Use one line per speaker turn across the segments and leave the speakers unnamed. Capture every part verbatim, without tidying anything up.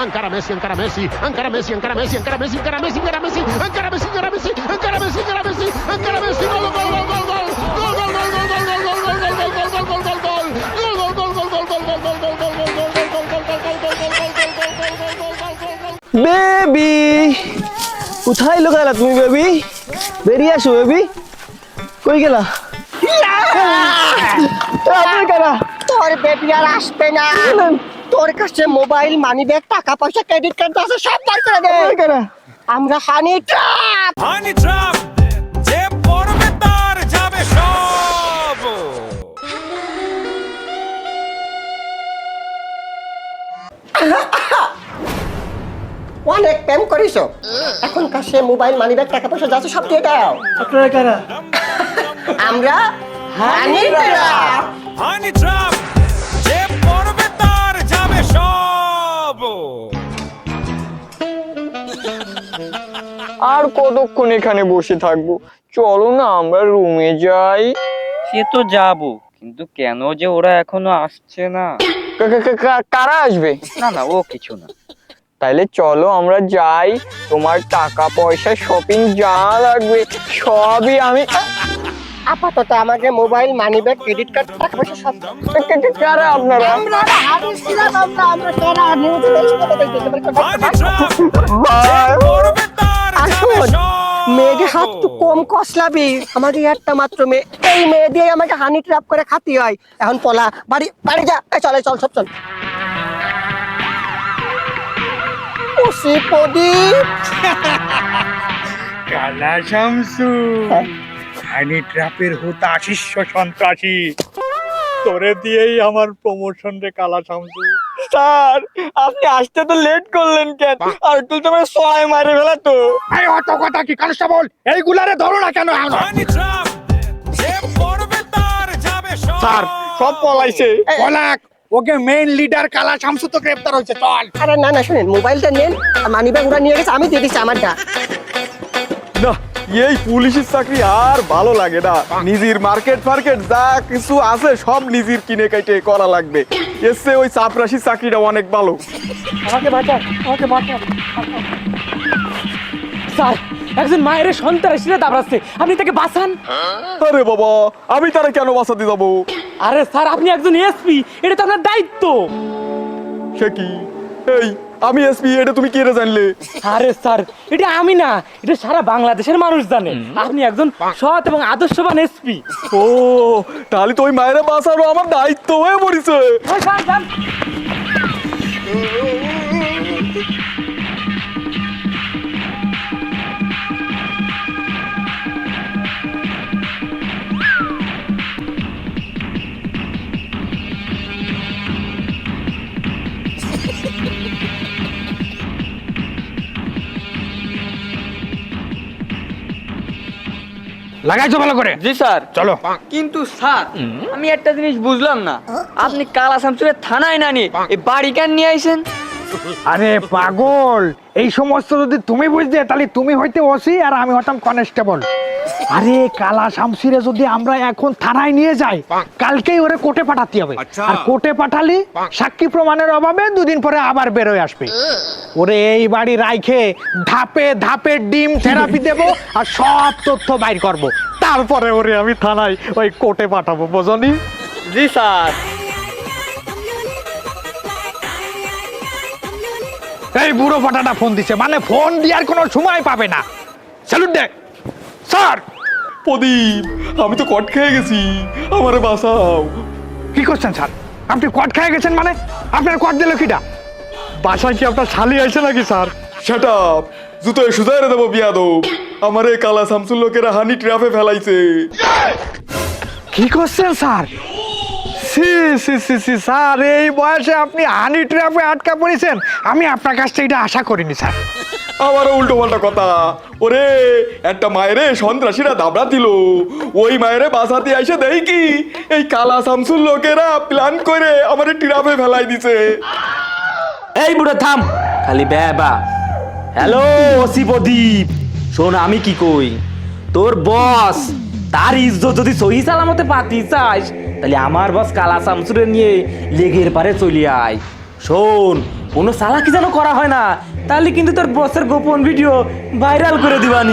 encara Messi, encara Messi, encara Messi, encara Messi, encara Messi, encara Messi, encara Messi, encara Messi, encara Messi, encara Messi, encara Messi, encara Messi, gol, gol, gol, gol, gol, gol, gol, gol, gol, gol, gol, gol, gol, gol, gol, gol, gol, gol, gol,
baby কোথায় লুকাইলা তুমি baby বেরিয়ে আসো baby কই গেলা
তোর baby আর আসবে না তোর কাছে মোবাইল মানি ব্যাগ টাকা পয়সা ক্রেডিট কার্ড আছে সব বার করে দে আমরা হানি ট্র্যাপ
হানি ট্র্যাপ যে পড়বে তার যাবে সব
অনেক প্রেম করিছো এখন কাছে মোবাইল মানি ব্যাগ টাকা পয়সা আছে সব দিয়ে দাও
আপনারা কারা
আমরা হানি ট্র্যাপ
হানি ট্র্যাপ যে পড়বে তার যাবে সব
আর কতক্ষণ এখানে বসে থাকবো চলো না আমরা রুমে যাই
সে তো যাবো কিন্তু কেন যে ওরা এখনো আসছে না
কারা আসবে
না না ও কিছু না
তাইলে চলো আমরা যাই তোমার টাকা পয়সা শপিং যা লাগবে সবই আমি
আপাতত আমাকে mobile money bag credit card টাকা পয়সা সব
কারা আপনারা
আমরা হানি ছিলাম আমরা আমরা কারা নিউজ দেখতে দেখতে
হানি ট্র্যাপ যে পড়বে তার যাবে
আসুন
সব
মেয়েকে হাত তো কম কসলাবি আমাদের একটা মাত্র মেয়ে এই মেয়ে দিয়ে আমাকে হানি ট্র্যাপ করে খাতি হয় এখন পলা বাড়ি বাড়ি যা এই চলে চল সব চল ওসি প্রদীপ
কালা শামসু হানি ট্র্যাপের হুতা শিষ্য সন্ত্রাসী তোরে দিয়েই আমার প্রমোশন রে কালা শামসু
স্যার আপনি আসতে তো লেট করলেন কেন আর তুই তোমার ছয় মারে ফেলা তো
এই অত কথা কি কনস্টেবল এইগুলারে ধরো না কেন
হানি ট্র্যাপ যে পড়বে তার যাবে সব
স্যার সব পলাইছে পলাক ওকে মেইন লিডার কালা শামসু তো গ্রেফতার হয়েছে চল
আরে না না শুনেন মোবাইলটা নেন মানি ব্যাগ ওরা নিয়ে গেছে আমি দিয়ে দিচ্ছি আমারটা
না এই পুলিশের চাকরি আর ভালো লাগে না নিজের মার্কেট ফার্কেট যা কিছু আছে সব নিজের কিনে কাইটে করা লাগবে এসে ওই চাপরাশির চাকরিটা অনেক ভালো
আমাকে বাঁচান আমাকে বাঁচান স্যার একজন মায়ের সন্ত্রাসীরা দাবড়াচ্ছে আপনি তাকে বাঁচান
আরে বাবা আমি তারা কেন বাঁচাতে যাবো
আরে স্যার আপনি একজন এসপি এটা তো আপনার দায়িত্ব
সে কি এই আমি এসপি এটা তুমি কে রে জানলে
আরে স্যার এটা আমি না এটা সারা বাংলাদেশের মানুষ জানে আপনি একজন সৎ এবং আদর্শবান এসপি
ও তাহলে তো ওই মায়ের বাঁচানো আমার দায়িত্ব হয়ে পড়েছে
লাগাইছো ভালো করে
জি স্যার
চলো
কিন্তু স্যার আমি একটা জিনিস বুঝলাম না আপনি কালা শামসুরের থানায় না নিয়ে এই বাড়ি কেন নিয়ে আইছেন
আরে পাগল এই সমস্ত যদি তুমি বুঝতে তাহলে তুমি হইতে ওসি আর আমি হতাম কনস্টেবল আরে কালা শামসিরে যদি আমরা এখন থানায় নিয়ে যাই কালকেই ওরে কোর্টে পাঠাতে হবে আর কোর্টে পাঠালি সাক্ষী প্রমাণের অভাবে দুদিন পরে আবার বেরোয় আসবে ওরে এই বাড়ি রাইখে ধাপে ধাপে ডিম থেরাপি দেব আর সব তথ্য বাইর করব তারপরে ওরে আমি থানায় ওই কোর্টে পাঠাবো বোঝনি
জি স্যার
এই বুড়ো ফাটাটা ফোন দিছে মানে ফোন দেওয়ার কোনো সময় পাবে না স্যালুট দে স্যার
প্রদীপ আমি তো কট খেয়ে গেছি আমারে বাঁচাও
কি করছেন স্যার আপনি কট খেয়ে গেছেন মানে আপনার কট দিল কিটা বাসায় কি আপনার শালি আছে নাকি স্যার
শাট আপ জুতোয় সুজাইরে দেবো বিয়াদব আমারে কালা শামসুর লোকেরা হানি ট্র্যাপে ফেলাইছে
কি করছেন স্যার সি সি সি সি স্যার এই বয়সে আপনি হানি ট্র্যাপে আটকা পড়েছেন আমি আপনার কাছ থেকে এটা আশা করিনি স্যার
আমারও উল্টো পাল্টা কথা ওরে একটা মায়েরে সন্ত্রাসীরা দাবড়া দিল ওই মায়েরে বাঁচাতে আইসে দেই কি এই কালা শামসুর লোকেরা প্ল্যান করে আমারে ট্র্যাপে ফেলাই দিছে
এই বুড়ো থাম খালি বেবা হ্যালো ওসি প্রদীপ শোন আমি কি কই তোর বস তার ইজ্জত যদি সহি সালামতে পাতি চাস তাহলে আমার বস কালা শামসুরে নিয়ে লেগের পারে চলে আয় শোন কোনো চালাকি যেন করা হয় না, তাহলে কিন্তু তোর বসের গোপন ভিডিও ভাইরাল করে দিবানি।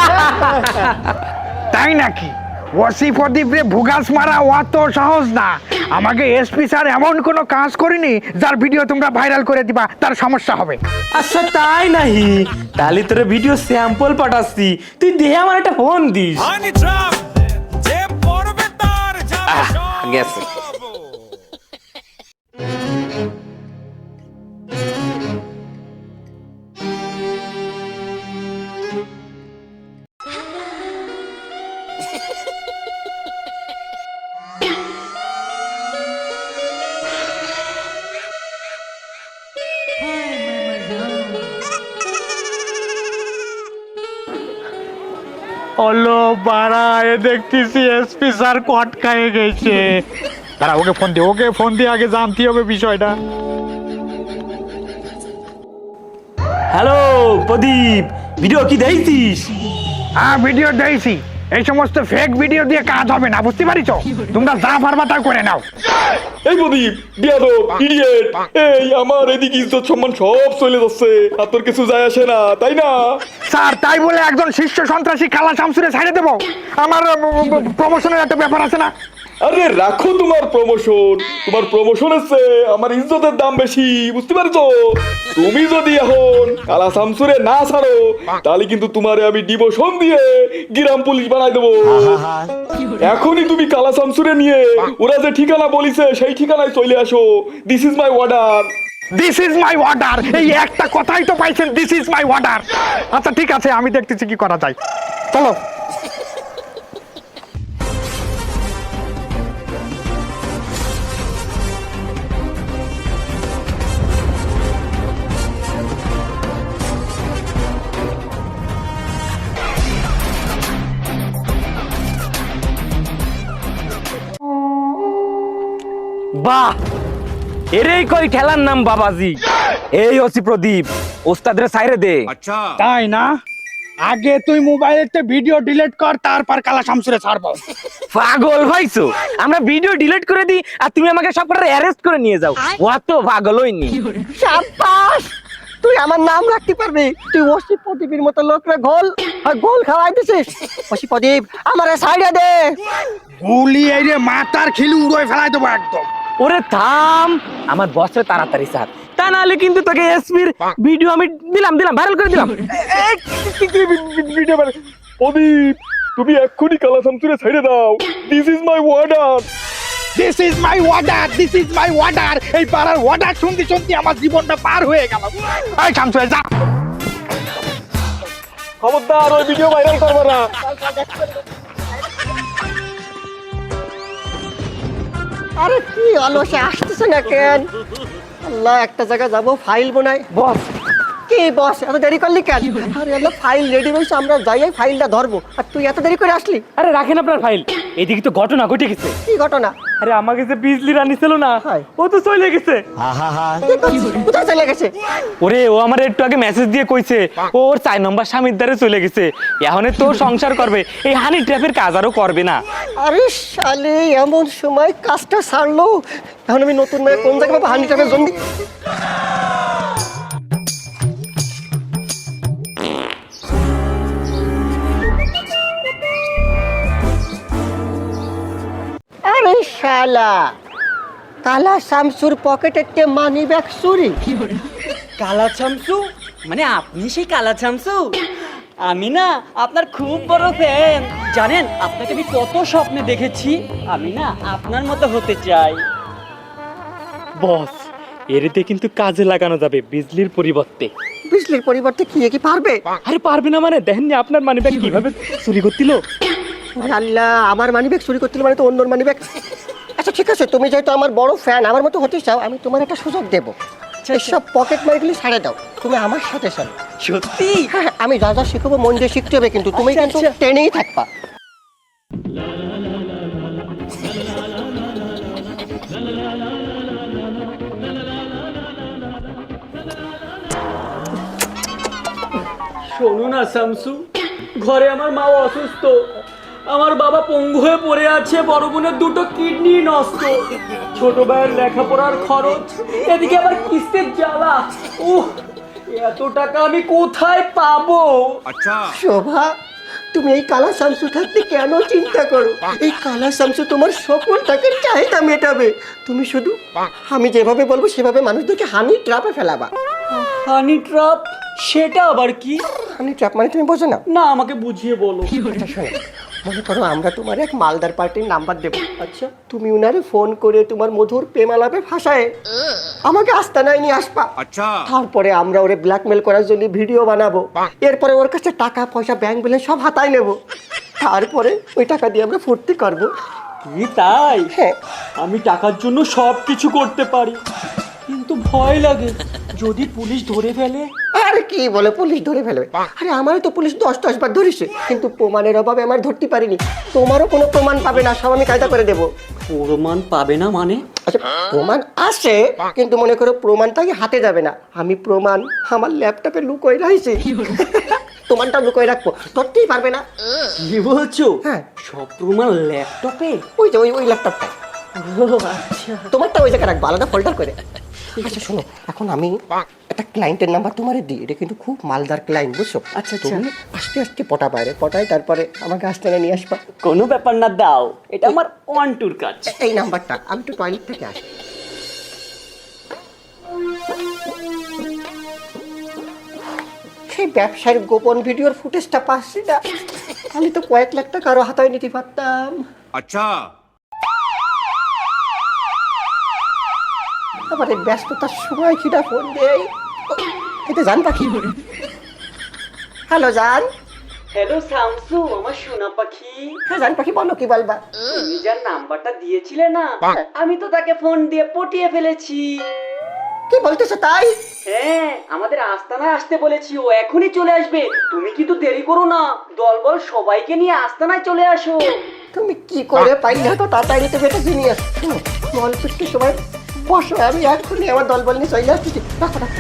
তাই নাকি? ওসি প্রদীপ রে ভুগাস মারা অত সহজ না। আমাকে এসপি স্যার এমন কোনো কাজ করিনি যার ভিডিও তোমরা ভাইরাল করে দিবা, তার সমস্যা হবে।
আচ্ছা তাই নাহি, তাহলে তোর ভিডিও স্যাম্পল পাঠাচ্ছি, তুই দেহে আমার একটা ফোন দিস।
হানি ট্রাপ যে পড়বে তার যাবে
আহ,
সব।
গেছে।
হলো বাড়া, এ দেখতেছি এসপি স্যার কট খাইয়ে গেছে। দাঁড়া, ওকে ফোন দিয়ে ওকে ফোন দিয়ে আগে জানতে হবে বিষয়টা।
হ্যালো প্রদীপ, ভিডিও কি দেখছিস?
হ্যাঁ ভিডিও দিয়েছি। এই সমস্ত ফেক ভিডিও দিয়ে কাজ হবে না, বুঝতে পারিস? তোমরা যা পারবা তা করে নাও।
এই প্রদীপ বিয়াদব ইডিয়েট, এই আমার এদিকে ইজ্জত সম্মান সব চলে যাচ্ছে, আর তোর কিছু যায় আসে না, তাই না?
স্যার তাই বলে একজন শীর্ষ সন্ত্রাসী কালা শামসুরে ছাড়ে দেবো? আমার প্রমোশনের একটা ব্যাপার আছে না?
আরে রাখো তোমার প্রমোশন, তোমার প্রমোশনের চেয়ে আমার ইজ্জতের দাম বেশি, বুঝতে পারছো? তুমি যদি এখন কালা শামসুরে না ছাড়ো, তাহলে কিন্তু তোমারে আমি ডিমোশন দিয়ে গ্রাম পুলিশ বানাই দেবো। এখনই তুমি কালা শামসুরে নিয়ে ওরা যে ঠিকানা বলিছে সেই ঠিকানায় চলে আসো। This is my order.
This is my order, এই একটা কথাই তো পাইছেন, দিস ইজ মাই অর্ডার। আচ্ছা ঠিক আছে, আমি দেখতেছি কি করা যায়, চলো।
বাহ, এরেই কই খেলার নাম বাবাজি। এই ওসি প্রদীপ, ওস্তাদের সাইরে দে।
তাই না? আগে তুই মোবাইলেতে ভিডিও ডিলিট কর, তারপর কালা শামসুরে ছাড়বো।
পাগল হইছো? আমরা ভিডিও ডিলিট করে দিই আর তুমি আমাকে সব কটা অ্যারেস্ট করে নিয়ে যাও। অত পাগল হইনি।
সাব্বাস, তুই আমার নাম রাখতে পারবি? তুই ওসি প্রদীপের মতো লোকরে গোল আর গোল খাওয়াই দিছিস। ওসি প্রদীপ আমারে সাইডে দে।
গুলি এই রে মাথার খিলু উড়োয় ফেলাই দেবো একদম।
ওরে থাম, আমার বসরে তাড়াতাড়ি স্যার, তা নাহলে কিন্তু তোকে এসপির ভিডিও আমি দিলাম দিলাম ভাইরাল করে দিলাম।
প্রদীপ তুমি এক্ষুনি কালা শামসুরে ছেড়ে দাও। This is my order.
This is my order, this is my order. এই পাড়ার অর্ডার শুনতে শুনতে আমার জীবনটা পার হয়ে গেল। এই শামসুরে যা।
খবরদার ওই ভিডিও ভাইরাল করবে না।
আরে কি অলসে আসতেছে না কেন? আল্লাহ, একটা জায়গায় যাবো, ফাইল বোনাই।
বস
কি বস, এত দেরি করলি কেন? আরে আল্লাহ, ফাইল রেডি রয়েছে, আমরা যাই ফাইলটা ধরবো, আর তুই এত দেরি করে আসলি?
আরে রাখেন আপনার ফাইল, এদিকে তো ঘটনা ঘটে গেছে।
কি ঘটনা?
আরে আমাকে যে বিজলি রানী ছিল না,
হায়।
ও তো চলে গেছে।
কোথায় চলে গেছে?
ওরে ও আমার একটু আগে মেসেজ দিয়ে কইছে ও ওর চার নম্বর স্বামীর দ্বারে চলে গেছে, এখন তো সংসার করবে, এই হানি ট্র্যাপের কাজ আরও করবে না।
আরে শালে, এমন সময় কাজটা ছাড়লো, এখন আমি নতুন মেয়ে কোন জায়গায় পাবো হানি টাকার জন্য? আরে শালা, কালা শামসুর পকেটে মানি ব্যাগ চুরি।
কালা চামচু মানে আপনি সেই কালা চামচু? আমি না আপনার খুব বড় ফ্যান, জানেন আপনাকে আমি কত স্বপ্নে দেখেছি। আমি না আপনার মতো হতে চাই।
বস এরিতে কিন্তু কাজে লাগানো যাবে বিজলির পরিবর্তে।
বিজলির পরিবর্তে কি কি পারবে?
আরে পারবে না মানে দেখেননি আপনার মানি ব্যাগ কিভাবে চুরি করছিল?
আরে আল্লাহ, আমার মানি ব্যাগ চুরি করতে মানে তো অন্যর মানি ব্যাগ। আচ্ছা ঠিক আছে, তুমি যেহেতু আমার বড় ফ্যান, আমার মতো হতে চাও, আমি তোমার একটা সুযোগ দেবো। সব পকেট মারিগুলি ছাড়ে দাও, তুমি আমার সাথে চলো।
সত্যি?
হ্যাঁ, আমি যা যা শিখবো মন দিয়ে শিখতে হবে, কিন্তু তুমি কিন্তু ট্রেনেই থাকবা।
শোনো না শামসু, ঘরে আমার মা অসুস্থ, আমার বাবা পঙ্গু হয়ে পড়ে আছে, বড় বোনের দুটো কিডনি নষ্ট, ছোট ভাইয়ের লেখাপড়ার খরচ, এদিকে আবার কিস্তির জ্বালা। উহ, এত টাকা আমি কোথায় পাবো?
শোভা, তুমি এই কালা শামসু থাকতে কেন চিন্তা করো? এই কালা শামসু তোমার সকল টাকার চাহিদা মেটাবে। তুমি শুধু আমি যেভাবে বলবো সেভাবে মানুষদেরকে হানি ট্রাপে ফেলাবা।
হানি ট্রাপ? সেটা আবার কি?
হানি ট্রাপ মানে তুমি বোঝো না?
না, আমাকে বুঝিয়ে বলো।
আচ্ছা শোনো, মনে করো আমরা তোমার এক মালদার পার্টির নাম্বার দেবো। আচ্ছা, তুমি উনারে ফোন করে তোমার মধুর প্রেমালাপে ভাষায় আমাকে আস্তানায় নিয়ে আসবা। আচ্ছা, তারপরে আমরা ওরে ব্ল্যাকমেল করার জন্য ভিডিও বানাবো। এরপরে ওর কাছে টাকা পয়সা ব্যাংক ব্যালেন্স সব হাতায় নেবো। তারপরে ওই টাকা দিয়ে আমরা ফুর্তি করবো।
কি তাই?
হ্যাঁ।
আমি টাকার জন্য সব কিছু করতে পারি, কিন্তু ভয় লাগে যদি পুলিশ ধরে ফেলে।
আরে কি বলে পুলিশ ধরে ফেলবে? আরে আমারও তো পুলিশ দশ দশ বার ধরেছে, কিন্তু প্রমাণের অভাবে আমার ধরতে পারিনি। তোমারও কোনো প্রমাণ পাবে না, সব আমি কায়দা করে দেবো।
প্রমাণ পাবে না মানে?
আচ্ছা, প্রমাণ আছে, কিন্তু মনে করো প্রমাণটা কি হাতে যাবে না। আমি প্রমাণ আমার ল্যাপটপে লুকোয় রাখছি। প্রমাণটা লুকোয় রাখবো, ধরতেই পারবে না।
কি বলছো?
হ্যাঁ।
সব প্রমাণ ল্যাপটপে?
ওই যে ওই ওই ল্যাপটপটা।
আচ্ছা,
তোমারটা ওই জায়গায় রাখবো, আলাদা ফোল্ডার করে। আচ্ছা শোনো, এখন আমি একটা ক্লায়েন্টের নাম্বার তোমারে দিই। এটা কিন্তু খুব মালদার ক্লায়েন্ট, বুঝছো?
আচ্ছা,
তুমি আস্তে আস্তে পটা বাইরে পটাই, তারপরে আমাকে আস্তানে নিয়ে আসবা।
কোনো ব্যাপার না, দাও। এটা আমার ওয়ান টুর কাজ।
এই নাম্বারটা, আমি তো টয়লেট থেকে আসি। সেই ব্যবসার গোপন ভিডিওর ফুটেজটা পাচ্ছি না। আমি তো কয়েক লাখ টাকা আরো হাতায় নিতে পারতাম। আচ্ছা, আবার এই ব্যস্ততার সময় কিটা ফোন দেই। এটা জান পাখি। হ্যালো জান।
হ্যালো শামসু, আমার সোনা পাখি।
হ্যাঁ জান পাখি, বলো কি বলবা?
তুমি যার নাম্বারটা দিয়েছিলে না, আমি তো তাকে ফোন দিয়ে পটিয়ে ফেলেছি।
কি বলতেছো তাই?
হ্যাঁ, আমাদের আস্তানায় আসতে বলেছি, ও এখনই চলে আসবে। তুমি কিন্তু দেরি করো না, দলবল সবাইকে নিয়ে আস্তানায় চলে আসো।
তুমি কি করে পাইলে তো তাড়াতাড়ি তো বেটা নিয়ে আসছো। অল্প একটু সময় বসো, আমি এখনই আমার দলবল নিয়ে চলে আসছি। রাখো রাখো।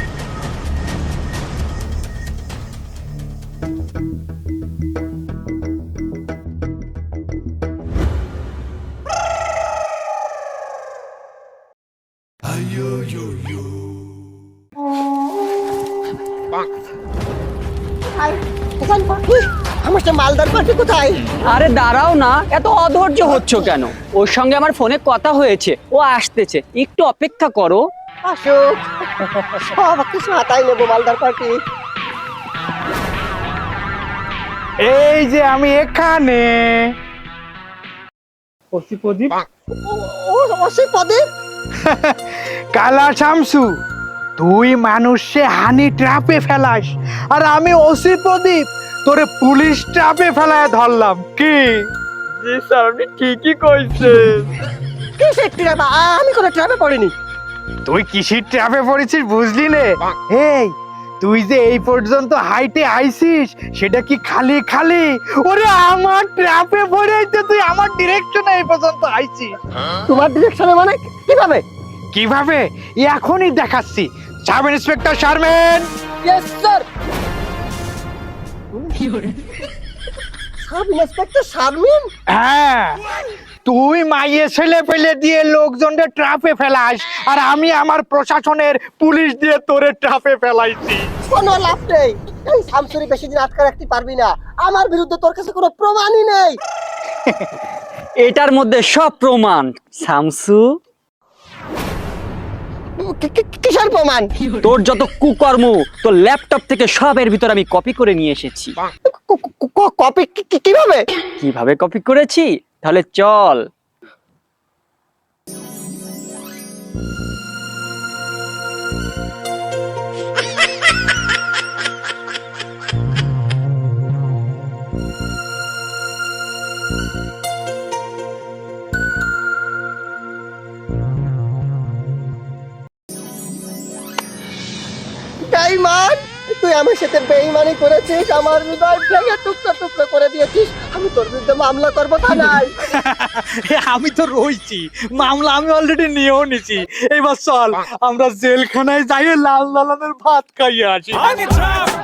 আমার সে মালদার পার্টি কোথায়?
আরে দাঁড়াও না, এত অধৈর্য হচ্ছ কেন? ওর সঙ্গে আমার ফোনে কথা হয়েছে, ও আসতেছে, একটু অপেক্ষা করো।
আসুক, সব কিছু হাতায় নেবো মালদার পার্টি।
এই যে আমি এখানে।
ওসি প্রদীপ,
ও ওসি প্রদীপ,
কালা শামসু, তুই মানুষে হানি ট্রাপে ফেলাস, আর আমি ওসি প্রদীপ তোরে পুলিশ ট্রাপে ফেলায় ধরলাম। কি?
জি স্যার, আপনি ঠিকই কইছেন।
কিসের ট্রাপ? আমি কোনো ট্রাপে পড়িনি।
তুই কিসির ট্রাপে পড়েছিস বুঝলি নে? এই, তুই যে এই পর্যন্ত হাইটে আইছিস, সেটা কি খালি খালি? ওরে আমার ট্রাপে পড়েইতে তুই আমার ডিরেকশনে এই পর্যন্ত আইছিস।
তোমার ডিরেকশনে মানে কিভাবে?
কিভাবে এখনই দেখাচ্ছি। Sub inspector Sharmin.
Yes sir. Sub inspector Sharmin?
হ্যাঁ, তুই মাইয়ে ছেলে পেলে দিয়ে লোকজনদের ট্রাপে ফেলাস, আর আমি আমার প্রশাসনের পুলিশ দিয়ে তোরে ট্রাপে ফেলাইছি।
কোনো লাভ নেই। এই শামসুরি বেশি দিন আটকে রাখতে পারবি না। আমার বিরুদ্ধে তোর কাছে কোনো প্রমাণই নেই।
এটার মধ্যে সব প্রমাণ শামসু।
কি- কি- কিসের প্রমাণ?
তোর যত কুকর্ম, তোর ল্যাপটপ থেকে সবের ভিতর আমি কপি করে নিয়ে এসেছি।
ক- ক- ক- কপি কি- কি- কিভাবে?
কিভাবে কপি করেছি? তাহলে চল।
বেঈমান, তুই আমার সাথে বেঈমানি করেছিস, আমার হৃদয় ভেঙে টুকরো টুকরো করে দিয়েছিস। আমি তোর বিরুদ্ধে মামলা করবো থানায়।
আমি তো রইছি, মামলা আমি অলরেডি নিয়েও নিছি। এবার চল আমরা জেলখানায় যাই, লাল লালানের ভাত খাইয়ে আসি।
Honey trap,